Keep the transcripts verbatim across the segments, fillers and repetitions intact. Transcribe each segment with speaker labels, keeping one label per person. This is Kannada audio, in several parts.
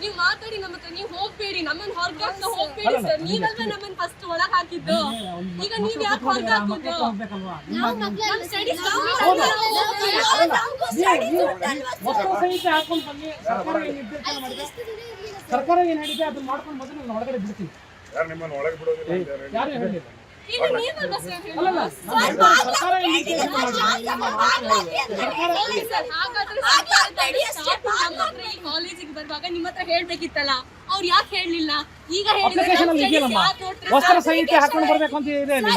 Speaker 1: ನೀವು ಮಾತಾಡಿ ನಮ್ಮ ಹತ್ರ, ನೀವು ಹೋಗ್ಬೇಡಿ, ನಮ್ಮನ್ನ ಹೊರಗಾಕ ಹೋಗ್ಬೇಡಿ ಸರ್. ನೀವಲ್ವಾ ನಮ್ಮನ್ನ ಫಸ್ಟ್ ಒಳಗ್ ಹಾಕಿದ್ದು, ಈಗ ನೀವ್ ಯಾಕೆ ಹೊರಗ ಹಾಕೋದು?
Speaker 2: ಸರ್ಕಾರ ಏನ್ ಹೇಳಿದೆ ಅದನ್ನ ಮಾಡ್ಕೊಂಡು ಬಂದ್ರೆ ನಾನು ಒಳಗಡೆ ಬಿಡ್ತೀನಿ.
Speaker 3: ಯಾರು ನಿಮ್ಮನ್ನ ಒಳಗೆ ಬಿಡೋದಿಲ್ಲ ಅಂತ
Speaker 2: ಯಾರು ಹೇಳಿಲ್ಲ.
Speaker 1: ಈಗ ನೀವಲ್ವಾ ಸರ್ ಹೇಳೋದು?
Speaker 2: ಅಲ್ಲಲ್ಲ ಸರ್ಕಾರ ಏನ್ ಹೇಳಿದೆ ಅದನ್ನ
Speaker 1: ಸರ್, ಹಾಗಾದ್ರೆ ಸರ್ಕಾರದವರು ಸ್ಟಾಫ್ ನಮ್ಮ ಹತ್ರ ಈ ಕಾಲೇಜಿಗೆ ಬರುವಾಗ ನಿಮ್ಮ ಹತ್ರ ಹೇಳ್ಬೇಕಿತ್ತಲ್ಲ, ಅವ್ರು ಯಾಕೆ ಹೇಳಲಿಲ್ಲ? ಈಗ
Speaker 2: ಅಪ್ಲಿಕೇಶನ್ ಅಲ್ಲಿ ಇದೆಯಲ್ಲಮ್ಮ, ವಸ್ತ್ರ ಸಂಹಿತೆ ಹಾಕೊಂಡು ಬರ್ಬೇಕು ಅಂತ ಇದೆ ಅಲ್ಲಿ.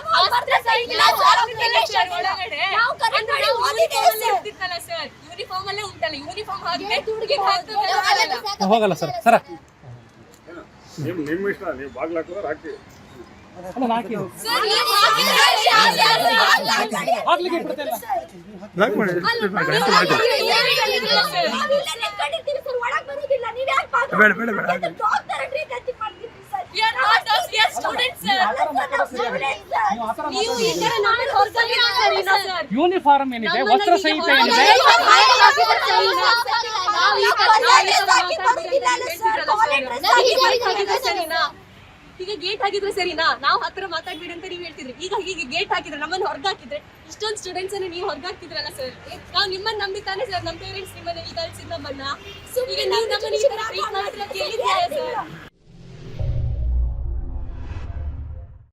Speaker 1: ಯೂನಿಫಾರ್ಮ್ ಅಲ್ಲೇ ಉಂಟಲ್ಲ, ಯೂನಿಫಾರ್ಮ್ ಹಾಕಿದ್ರೆ
Speaker 2: ಹೋಗಲ್ಲ ಸರ್. ಸರ
Speaker 3: ನಿಮ್ ನಿಮ್ ಇಷ್ಟ, ನೀವು ಬಾಗ್ಲ ಹಾಕಿದ್ರೆ ಹಾಕಿ.
Speaker 2: ಅಲ್ಲ ಹಾಕಿ ಹಾಕ್ಲಿಕ್ಕೆ ಬಿಡ್ತಿಲ್ಲ.
Speaker 4: ಬೇಡ ಬೇಡ ಬೇಡ
Speaker 2: ಯೂನಿಫಾರ್ಮ್ ಏನಿದೆ, ವಸ್ತ್ರ ಸಂಹಿತೆ ಏನಿದೆ,
Speaker 1: ಈಗ ಗೇಟ್ ಹಾಕಿದ್ರೆ ಸರಿನಾ? ನಾವು ಹತ್ರ ಮಾತಾಡ್ಬೇಡಿ ಅಂತ ನೀವು ಹೇಳ್ತಿದ್ರಿ. ಈಗ ಹೀಗೆ ಗೇಟ್ ಹಾಕಿದ್ರೆ, ನಮ್ಮನ್ನು ಹೊರಗಾಕಿದ್ರೆ, ಇಷ್ಟೊಂದು ಸ್ಟೂಡೆಂಟ್ಸ್ ಅನ್ನು ನೀವು ಹೊರಗಾಕ್ತಿದ್ರಲ್ಲ ಸರ್. ನಾವು ನಿಮ್ಮನ್ನ ನಂಬಿತಾನೆ ಸರ್, ನಮ್ಮ ಪೇರೆಂಟ್ಸ್ ನಿಮ್ಮನ್ನ ಇಲ್ಲಿ ಕಳ್ಸಿದ್ ನಮ್ಮನ್ನ. ಈಗ ನೀವು ನಮ್ಮನ್ನ ಈ ತರ ಟ್ರೀಟ್ ಮಾಡಿದ್ರೆ ಕೇಳಿದ್ಯಾ ಸರ್?